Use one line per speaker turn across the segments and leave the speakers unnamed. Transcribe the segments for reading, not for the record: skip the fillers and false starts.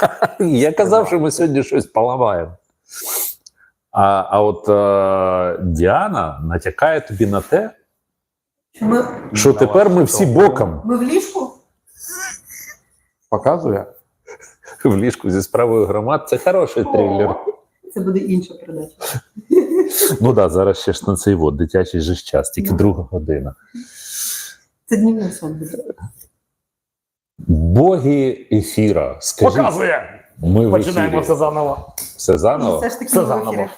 Я казав, що ми сьогодні щось поламаємо. А от Діана натякає тобі на те, що тепер ми всі боком.
Ми в ліжку?
Показує?
В ліжку зі справою громад. Це хороший трилер.
Це буде інша передача.
Ну так, зараз ще ж на цей дитячий же час, тільки 2 година.
Це днівний сон буде.
Боги ефіра. Скажіть,
Показує!
ми в
Починаємо
ефірі.
все заново.
Все заново?
Все ж таки
Все
ми в
заново.
ефірі.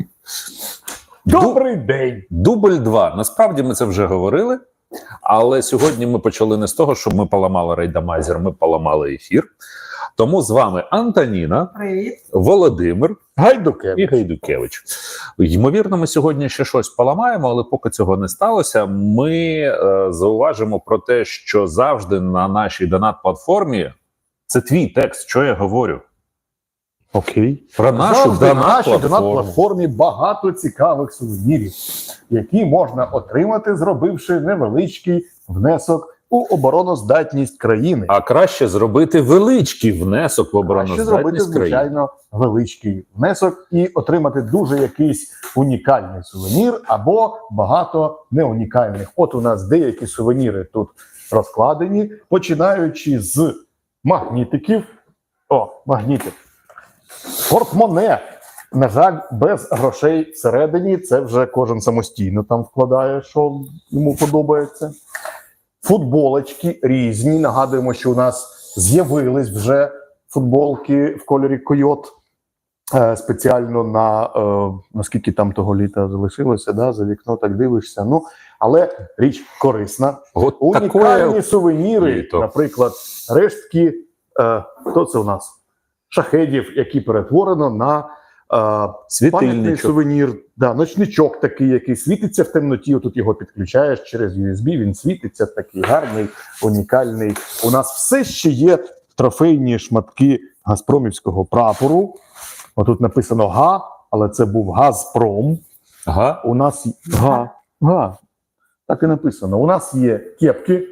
Добрий день!
Дубль 2. Насправді ми це вже говорили, але сьогодні ми почали не з того, щоб ми поламали рейдамайзер, ми поламали ефір. Тому з вами Антоніна,
Привіт.
Володимир
Гайдукевич.
і Гайдукевич. Ймовірно, ми сьогодні ще щось поламаємо, але поки цього не сталося, ми зауважимо про те, що завжди на нашій донат-платформі, це твій текст, що я говорю.
Окей.
Про нашу
Завжди на нашій
донат-платформу.
донат-платформі багато цікавих сувенірів, які можна отримати, зробивши невеличкий внесок у обороноздатність країни.
А краще зробити величкий внесок в
Краще зробити,
обороноздатність країни.
звичайно, величкий внесок і отримати дуже якийсь унікальний сувенір або багато неунікальних. От у нас деякі сувеніри тут розкладені, починаючи з магнітиків. О, магнітик. Портмоне. На жаль, без грошей всередині, це вже кожен самостійно там вкладає, що йому подобається. Футболочки різні. Нагадуємо, що у нас з'явились вже футболки в кольорі койот. Спеціально на наскільки там того літа залишилося, да? За вікно так дивишся. Ну, але річ корисна.
От
Унікальні
такое
сувеніри,
літо.
наприклад, рештки, хто це у нас? Шахедів, які перетворено на пам'ятний
світильничок.
сувенір, да, ночничок такий, який світиться в темноті, отут його підключаєш через USB, він світиться, такий гарний, унікальний. У нас все ще є трофейні шматки газпромівського прапору. Отут написано га, але це був Газпром.
Ага.
У нас га. Так і написано. У нас є кепки,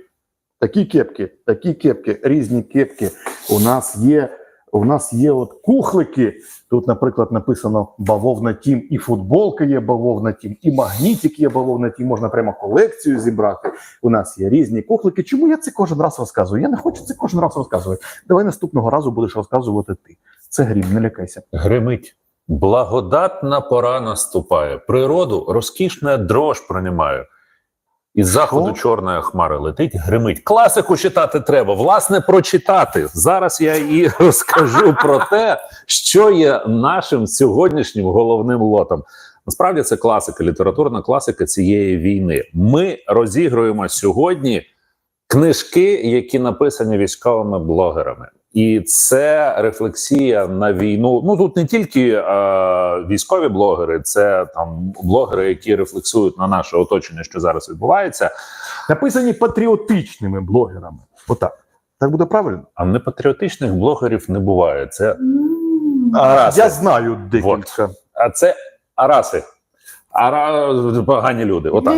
такі кепки, різні кепки. У нас є от кухлики. Тут, наприклад, написано бавовна тім, і футболка є бавовна тім, і магнітик є бавовна тім. Можна прямо колекцію зібрати. У нас є різні кухлики. Чому я це кожен раз розказую? Я не хочу це кожен раз розказувати. Давай наступного разу будеш розказувати ти. Це грім, не лякайся.
Гримить. Благодатна пора наступає. Природу розкішна дрож пронимає. Із заходу чорної хмари летить, гримить. Класику читати треба, власне, прочитати. Зараз я і розкажу про те, що є нашим сьогоднішнім головним лотом. Насправді це класика, літературна класика цієї війни. Ми розігруємо сьогодні книжки, які написані військовими блогерами. І це рефлексія на війну. Ну, тут не тільки військові блогери, це там блогери, які рефлексують на наше оточення, що зараз відбувається.
Написані патріотичними блогерами. Отак. Так буде правильно?
А непатріотичних блогерів не буває. Це
Я знаю декілька.
А це араси. Погані люди. Отак.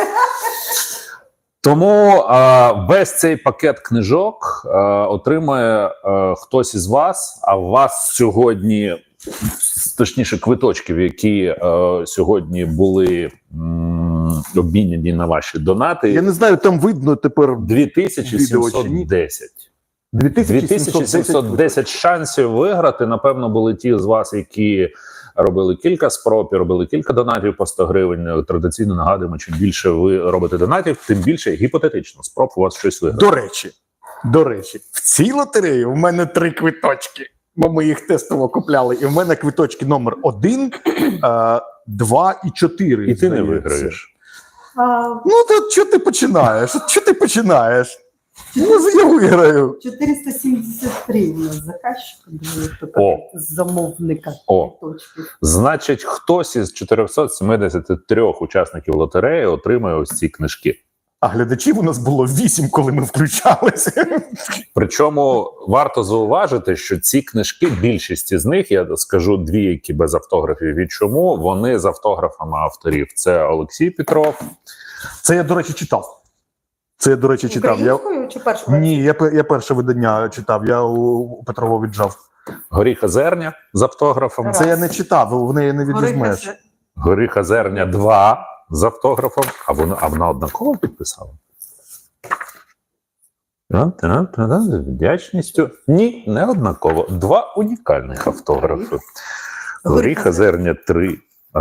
Тому весь цей пакет книжок отримає хтось із вас, а у вас сьогодні, точніше, квиточків, які сьогодні були обміняні на ваші донати.
Я не знаю, там видно тепер
2710. 2710 шансів виграти. Напевно, були ті з вас, які робили кілька спроб, робили кілька донатів по 100 гривень. Традиційно нагадуємо, чим більше ви робите донатів, тим більше гіпотетично спроб у вас щось виграти.
До речі, в цій лотереї у мене 3 квиточки. Бо ми їх тестово купляли. І в мене квиточки номер 1, 2 і 4.
І ти не виграєш.
Ну, то що ти починаєш? Може, я виграю.
473 у нас заказчика, замовника.
Значить, хтось із 473 учасників лотереї отримає ось ці книжки.
А глядачів у нас було 8, коли ми включалися.
Причому варто зауважити, що ці книжки, більшість із них, я скажу 2, які без автографів. І чому? Вони з автографами авторів. Це Олексій Петров.
Це я, до речі, читав.
Українською чи першою?
Ні, я перше видання читав, я у Петрова віджав.
Горіха зерня з автографом.
Раз.
Це я не читав, в неї не відвізьмеш.
Горіха
Горіха зерня 2 з автографом. А вона однаково підписала? З вдячністю. Ні, не однаково. 2 унікальних автографи. Горіха зерня 3.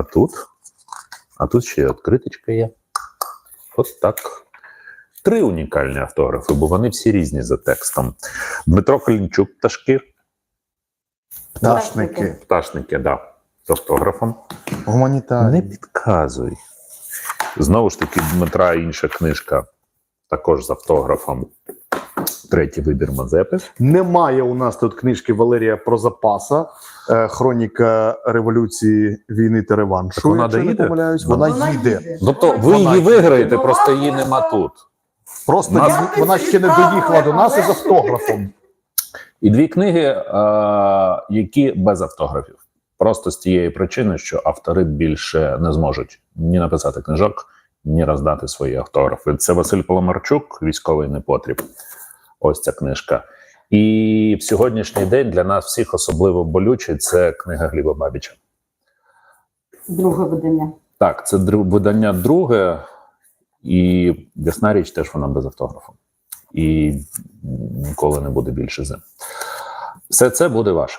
А тут ще відкриточка є. От так. 3 унікальні автографи, бо вони всі різні за текстом. Дмитро Калінчук, пташки.
Пташники.
Пташники, да. З автографом.
Гуманітарні.
Не підказуй. Знову ж таки, Дмитра інша книжка, також з автографом. 3-й вибір Мазепи.
Немає у нас тут книжки Валерія Прозапаса, хроніка революції війни та реваншу.
Так вона
якщо не
доїде?
помиляюсь. Вона їде.
Тобто ви
Вона
її
їде.
виграєте, просто її нема тут.
Просто
Нас-
вона ще не доїхала до нас із автографом.
І 2 книги, які без автографів. Просто з тієї причини, що автори більше не зможуть ні написати книжок, ні роздати свої автографи. Це Василь Паламарчук, «Військовий непотріб». Ось ця книжка. І в сьогоднішній день для нас всіх особливо болючий – це книга Гліба Бабіча.
Друге видання.
Так, це видання друге, і ясна річ, теж вона без автографу. І ніколи не буде більше зим. Все це буде ваше.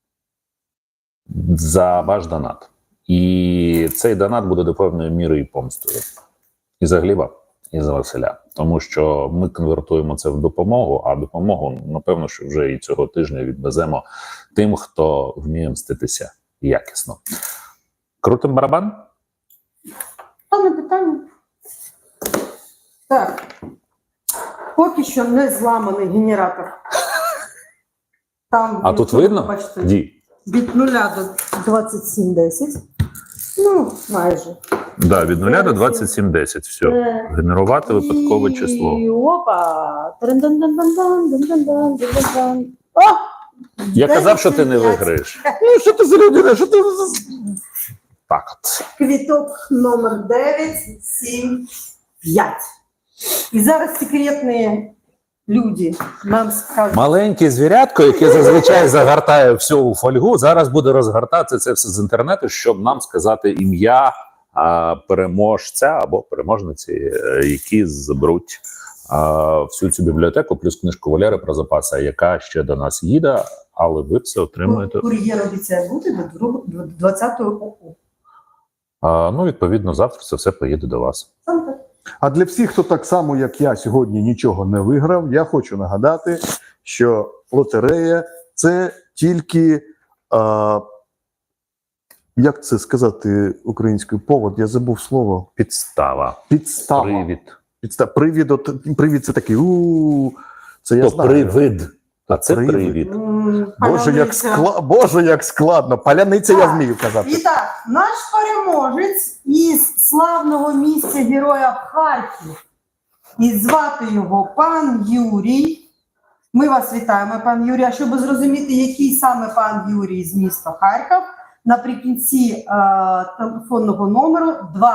За ваш донат. І цей донат буде до певної міри і помстою. І за Гліба, і за Василя. Тому що ми конвертуємо це в допомогу, а допомогу, напевно, що вже і цього тижня відвеземо тим, хто вміє мститися якісно. Крутим барабан?
Та не питання. Так. Поки що не зламаний генератор. Там,
А тут видно?
бачите,
Ді.
від 0 до 27,10. Ну, майже.
Да, від 0 до 27,10. Все. Генерувати випадкове число.
І опа! Трин-дан-дан-дан-дан-дан-дан-дан-дан. О!
Я казав, що ти не
10,5.
виграєш.
Ну, що ти за людина? Що ти
Так от.
Квіток номер 975. І зараз секретні люди нам скажуть.
Маленьке звірятко, яке зазвичай загортає всю у фольгу, зараз буде розгортати це все з інтернету, щоб нам сказати ім'я переможця або переможниці, які заберуть всю цю бібліотеку, плюс книжку Валери Прозапаса, яка ще до нас їде, але ви все отримуєте.
Кур'єр обіцяє бути до 20-го року.
Ну, відповідно, завтра це все поїде до вас.
Сам так.
А для всіх, хто так само, як я, сьогодні нічого не виграв, я хочу нагадати, що лотерея – це тільки, як це сказати українською, повод, я забув слово.
Підстава.
Підстава.
Привід.
Привід – це такий, це я
То
знаю.
привид. А це
Привид.
привід.
Боже, як складно. Паляниця я вмію казати.
І так, наш переможець із славного місця Героя Харків. І звати його пан Юрій. Ми вас вітаємо, пан Юрій. А щоб зрозуміти, який саме пан Юрій з міста Харків, наприкінці телефонного номеру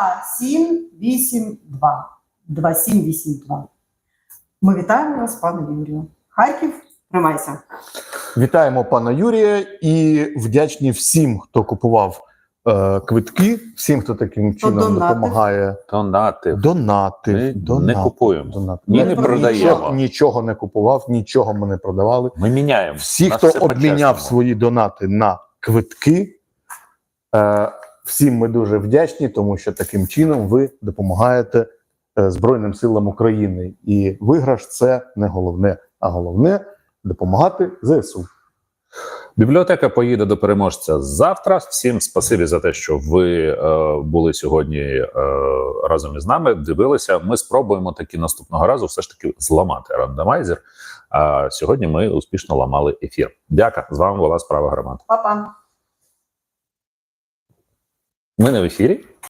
2782. 2782. Ми вітаємо вас, пане Юрію. Харків, тримайся.
Вітаємо пана Юрія і вдячні всім, хто купував квитки, всім, хто таким чином
донатив.
допомагає.
Донати.
Донати.
Ми не купуємо.
Донати.
Ні,
Ми
не продаємо.
Нічого не купував, нічого ми не продавали.
Ми міняємо.
Всі,
У нас
хто
все
обміняв
по-чесному.
свої донати на квитки, всім ми дуже вдячні, тому що таким чином ви допомагаєте Збройним силам України. І виграш – це не головне, а головне – допомагати ЗСУ.
Бібліотека поїде до переможця завтра. Всім спасибі за те, що ви були сьогодні разом із нами, дивилися. Ми спробуємо таки наступного разу все ж таки зламати рандомайзер. А сьогодні ми успішно ламали ефір. Дяка, з вами була Справа Громад.
Па-па.
Ми не в ефірі.